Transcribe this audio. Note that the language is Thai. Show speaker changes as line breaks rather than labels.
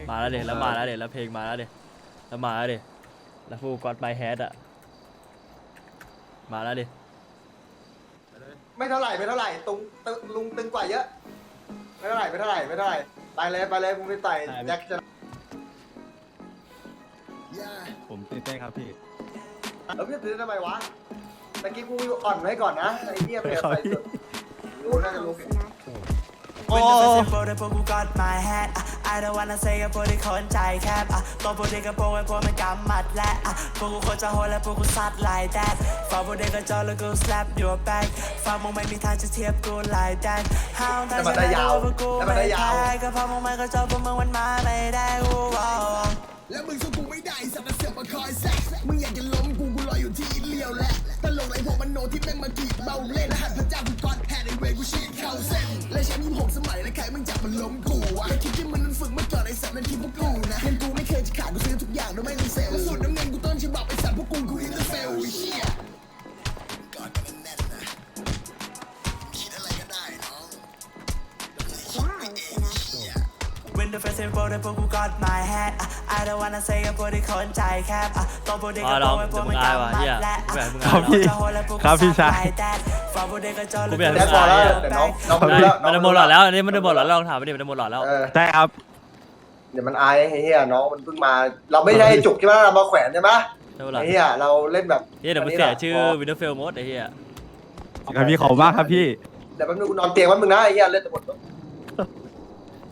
มาแล้วเด็แล้วมาแล้วเด็แล้วเพลงมาแล้วเด็แล้วมาแล้วเด็แล้วฟูกอดไมแฮดอะมาแล้วเด็
ไม่เท่าไหร่ลุงตึงกว่าเยอะไม่เท่าไหร่ไปเลยมึงไปไต่แจ็คจะ
ผมตื่นเต้นครับพี่
แล้วพี่ซื้อทำไมวะตะกี้กูอ่อนไว้ก่อนนะไอ้เหี้ยเปลี่ยนใส่สุดกูน่าจะรู้
โอ้
พวกกูกอด my head I don't wanna say กับพวกที่คนใจแคบตัวพวกที่กระโปรงไอ้พวกมันกำมัดและพวกกูคนจะโหดและพวกกูซัด like that ฝากพวกเด็กกระจอกแล้วกู slap your back ฝากมึงไม่มีทางจะเทียบกู like that ห้าวแต่ฉันได้รู้ว่ากูไม่แพ้ก็เพราะมึงไม่กระจอกพวกมึงมันมาไม่ได้กู
แล้วมึงสู้กูไม่ได้สัตว์เสือกมาคอยแซะมึงอยากจะล้มกูรออยู่ที่เลี้ยวแหละตลกไรพวกมันโนที่แม่งมากีบเบาเล่นรหัสพระเจ้ากูกอดแฮนด์ไอเวกูชีดเข้าเส้นและแชมป์26 สมัยและใครมึงจับมันล้มกูวะไอคิดที่มันนั้นฝึกมาก่อนไอสัตว์นั้นคิดพวกกูนะเงินกูไม่เคยจะขาดกูซื้อทุกอย่างโดยไม่มีเซลล์สุดน้ำเงินกูต้นฉบับไอสัตว์พวกกูอินเตอร์เฟลไอเชี่ยกอดกันแน่นนะคิดอะไรก็ได้น้อง
When the first info ได้พวกกูกอด my head I don't wanna say กับพวกที่คนใจแคบตัวพวกเด็กกระโปรงไอ้พวกมันกำมัดและ
ครับพี่ครับพี่ชาย
ฝากพวกเด็กกระจอกแล้ว
แจ็คพอแล้วเดี๋ยวน้องมันรู้แล้ว
มันจะหมดหลอดแล้วอันนี้มันจะหมดหลอดแล้วลองถามไปดิมันจะหมดหลอดแล้ว
ใช่ครับ
เดี๋ยวมันอายไอ้เหี้ยน้องมันเพิ่งมาเราไม่ได้จุกใช่ไหมเรามาแขวนใช่ไหม
ใช่ปะล่ะ
ไอ้เหี้ยเราเล่นแบบ
เดี๋ยวมันเสียชื่อวินเทอร์เฟลมดไอ้เหี้ย
ครับพี่ขอบคุณมากครับพี่
เดี๋ยวแป๊บนึงกูนอนเตียงแป๊บนึงนะไอ้เหี้ยเล่นจะหมด